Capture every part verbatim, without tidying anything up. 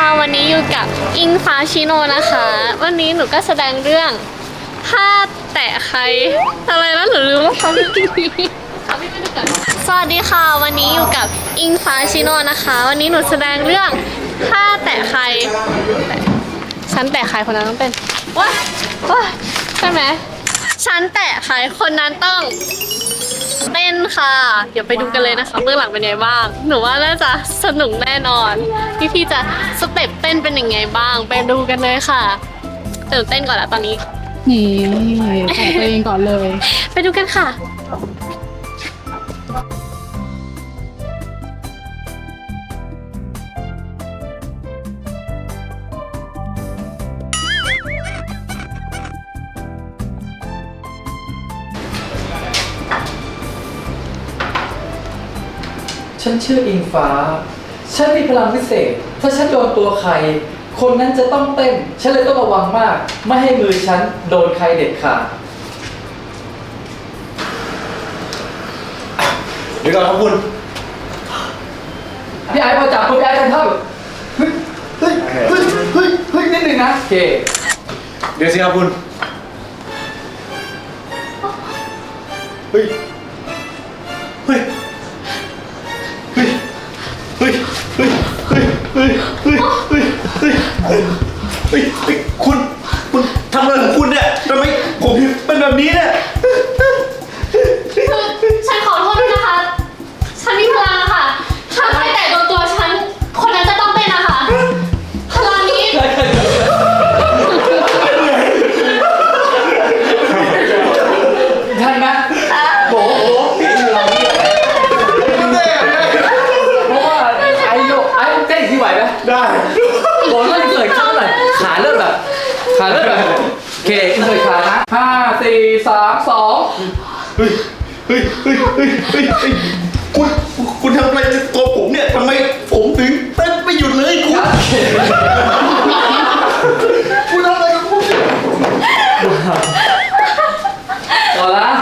วันนี้อยู่กับอิงฟ้าชิโนนะคะวันนี้หนูก็แสดงเรื่องถ้าแตะใครอะไรนะหนูลืมว่าเขาไม่กินสวัสดีค่ะวันนี้อยู่กับอิงฟ้าชิโนนะคะวันนี้หนูแสดงเรื่องถ้าแตะใครฉันแตะใครคนนั้นต้องเป็นว้าว้าใช่ไหมฉันแตะใครคนนั้นต้องเต้นค่ะเดี๋ยวไปดูกันเลยนะคะเบื้องหลังเป็นไงบ้างหนูว่าน่าจะสนุกแน่นอนพี่พี่จะสเต็ปเต้นเป็นยังไงบ้างไปดูกันเลยค่ะตื่นเต้นก่อนแล้วตอนนี้นี่ใส่ตัวเองก่อนเลยไปดูกันค่ะฉันชื่ออิงฟ้า ฉันมีพลังพิเศษ ถ้าฉันโดนตัวใคร คนนั้นจะต้องเต้น ฉันเลยต้องระวังมาก ไม่ให้มือฉันโดนใครเด็ดขาดเดี๋ยวก่อนครับคุณพี่ไอ้มาจับมือพี่ไอ้กันเท่าเฮ้ย เฮ้ย เฮ้ย เฮ้ย เฮ้ยนิดนึงนะโอเคเดี๋ยวสิครับคุณ เฮ้ย เฮ้ย เฮ้ย เฮ้ย เฮ้ย เฮ้ย เฮ้ย เฮ้ย เฮ้ย เฮ้ย เฮ้ย เฮ้ย เฮ้ย คุณ คุณทำอะไรของคุณเนี่ยทำไมผมเป็นแบบนี้เนี่ยคือฉันขอโทษด้วยนะคะฉันมีพลังค่ะถ้าใครแตะโดนตัวฉันคนนั้นจะต้องเต้นนะคะพลังนี้ใช่ไหมโบโบพี่อยู่เราเนี่ยเพราะว่าไอ้โยไอ้เต้นที่ไหวไหมได้โบต้องเกิดขึ้นหน่อยขาเริ่มแบบขาเริ่มแบบโอเคอินเสิร์ตขานะห้าสี่สามสองเฮ้ย เฮ้ย เฮ้ย เฮ้ย เฮ้ย เฮ้ย คุณ คุณทำอะไรในตัวผมเนี่ยทำไมผมถึงเต้นไม่หยุดเลยคุณ คุณทำอะไรกับผมเนี่ยต่อละ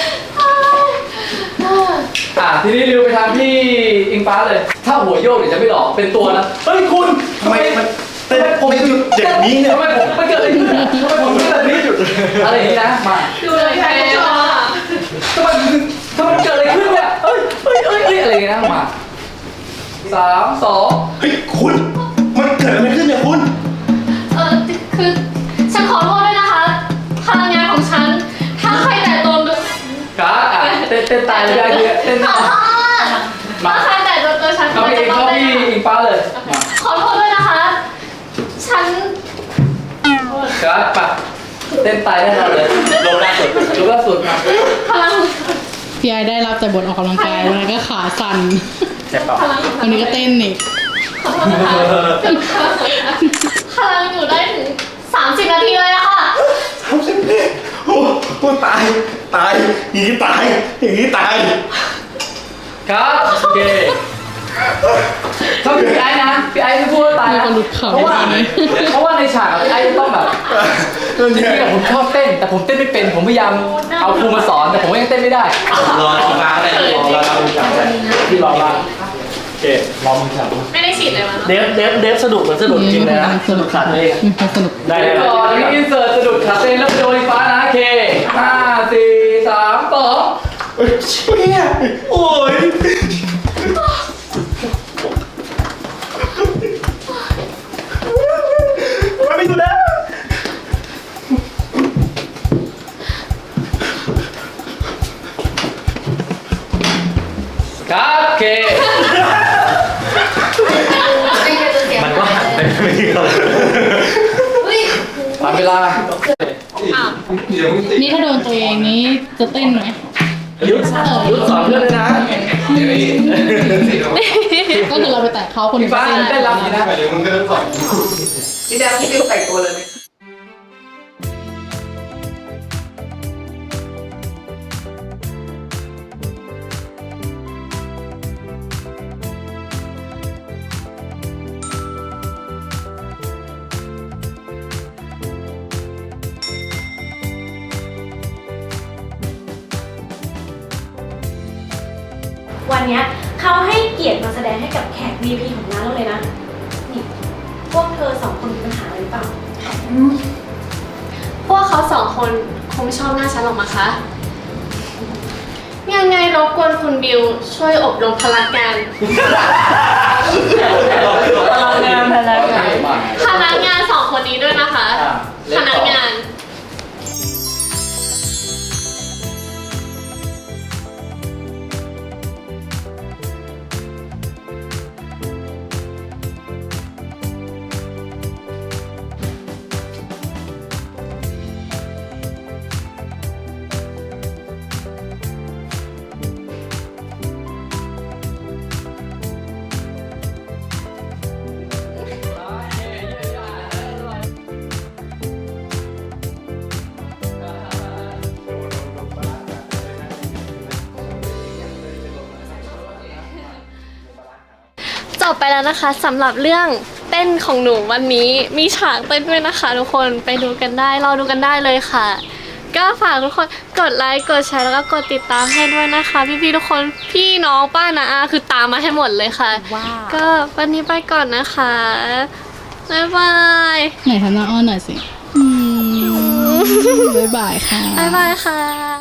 อ่ะทีนี้ริวไปทางพี่อิงฟ้าเลย ถ้าหัวโยกเดี๋ยวจะไม่หลอกเป็นตัวนะเฮ้ยคุณทำไมมันเต้นไม่หยุดอย่างนี้เนี่ยทำไมผมไม่เกิดอะไรขึ้นอะทำไมผมไม่แบบนี้หยุดอะไรอย่างนี้นะมาดูเลยใครชอบทำไมทำไมเกิดอะไรขึ้นเนี่ยเอ้ยเอ้ยเอ้ยเอ้ยอะไรอย่างเงี้ยนะมาสามสองเฮ้ยคุณ มันเกิดอะไรขึ้นเนี่ยคุณเออคือฉันขอโทษด้วยนะคะพลังงานของฉันถ้าใครแตะโดนการ์ดอ่ะเต้นเต้นตายเลยได้เลยเต้นขอโทษถ้าใครแตะโดนตัวฉันเขาคนพี่นั้นจะเขาต้องเต้นพี่อิงฟ้าเลยมาขอโทษด้วยนะคะ ฉันการ์ดปะเต้นตายแน่นอนเลยลงล่าสุดลงล่าสุดมาพลังพี่ไอได้รับแต่บทออกกำลังกายวันนั้นก็ขาสั่นเจ็บเปล่าพลังของฉัวันนี้ก็เต้นอีกขอโทษนะคะพลังอยู่ได้ถึงสามสิบนาทีเลยอะค่ะทำสิโอ้โหตาย ตาย อย่างนี้ตาย อย่างนี้ตายครับโอเคเขาพี่ไอ้นะพี่ไอ้ไม่พูดว่าตายมีนะคนหลุดเขาเพราะว่าตอนนี้เพราะว่าในฉากอะพี่ไอ้จะต้องแบบจริงๆอะผมชอบเต้น แต่ผมเต้นไม่เป็นผมพยายามเอาครูมาสอนแต่ผมก็ยังเต้นไม่ได้รอรอมาเลยรอรอมึงจับพี่รอมาโอเครอมึงจับไม่ได้ฉีดเลยมั้งเดฟเดฟเดฟสนุกเหมือนสนุกจริงเลยนะสนุกขาดเลยมีความสนุกได้เลยก่อนนี้อินเสิร์ตสะดุดขาเต้นแล้วโดนฟ้านะโอเคห้าสี่สามสองเฮ้ยเชี่ยโอ้ยมันไม่ดูนะครับโอเคมันก็หันไปไม่ดีเลยผ่านเวลานี่ถ้าโดนตัวเองนี้จะเต้นไหมยุดยุดสอนเพื่อนเลยนะก็คือเราไปแตะเขาคนพี่อื่นฟ้าก็เต้นเต้นรับดีนะพี่แดงพี่ดิวแต่งตัวเลยไหมวันเนี้ยเขาให้เกียรติมาแสดงให้กับแขก วี พี ของร้านเราเลยนะ นี่พวกคนคงไม่ชอบหน้าฉันหรอกมั้งคะยังไงรบกวนคุณบิวช่วยอบรมพลังงานพลังงานพลังงานพนักงานสองคนนี้ด้วยนะคะอ่ะเล่นต่อพนักงาน จบไปแล้วนะคะสำหรับเรื่องเต้นของหนูวันนี้มีฉากเต้นด้วยนะคะทุกคนไปดูกันได้รอดูกันได้เลยค่ะ ก็ฝากทุกคนกดไลค์กดแชร์แล้วก็กดติดตามให้ด้วยนะคะ พี่ๆทุกคนพี่น้องป้านาอาคือตามมาให้หมดเลยค่ะ ก็วันนี้ไปก่อนนะคะบ๊ายบายไหนทำหน้าอ้อนหน่อยสิ อืมบ๊ายบายค่ะบ๊ายบายค่ะ